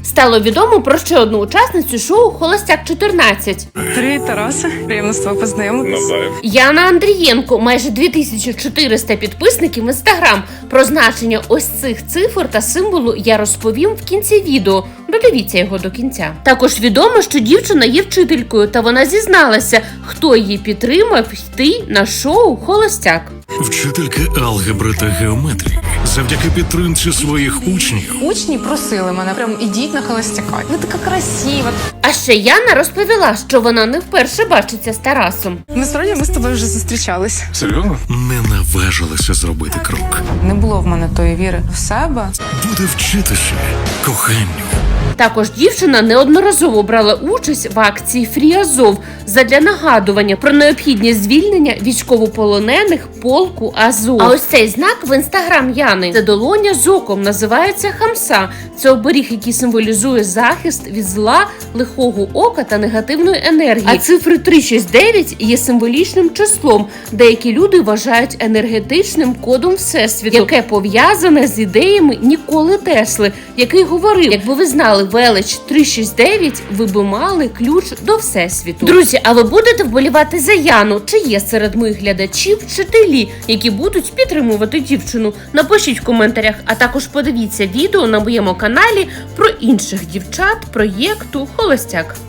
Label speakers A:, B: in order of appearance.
A: Стало відомо про ще одну учасницю шоу «Холостяк-14».
B: Привіт, Тарасе. Приємно з тобою познайомитися.
A: Яна Андрієнко, майже 2400 підписників в Інстаграм. Про значення ось цих цифр та символу я розповім в кінці відео. Додивіться його до кінця. Також відомо, що дівчина є вчителькою, та вона зізналася, хто її підтримав йти на шоу «Холостяк».
C: Вчителька алгебри та геометрії. Завдяки підтримці своїх учнів.
B: Учні просили мене, прям ідіть на холостяка. Ви така красива.
A: А ще Яна розповіла, що вона не вперше бачиться з Тарасом.
B: Насправді ми з тобою вже зустрічались.
C: Серйозно? Не наважилася зробити крок.
B: Не було в мене тої віри в себе.
C: Буде вчитися коханню.
A: Також дівчина неодноразово брала участь в акції «Фрі Азов» задля нагадування про необхідність звільнення військовополонених полку Азов. А ось цей знак в інстаграм Яни – це долоня з оком, називається хамса. Це оберіг, який символізує захист від зла, лихого ока та негативної енергії. А цифри 369 є символічним числом. Деякі люди вважають енергетичним кодом Всесвіту, яке пов'язане з ідеями Ніколи Тесли, який говорив: якби ви знали велич 369, ви би мали ключ до Всесвіту. Друзі, а ви будете вболівати за Яну? Чи є серед моїх глядачів вчителі, які будуть підтримувати дівчину? Напишіть в коментарях, а також подивіться відео на моєму каналі про інших дівчат проєкту «Холостяк».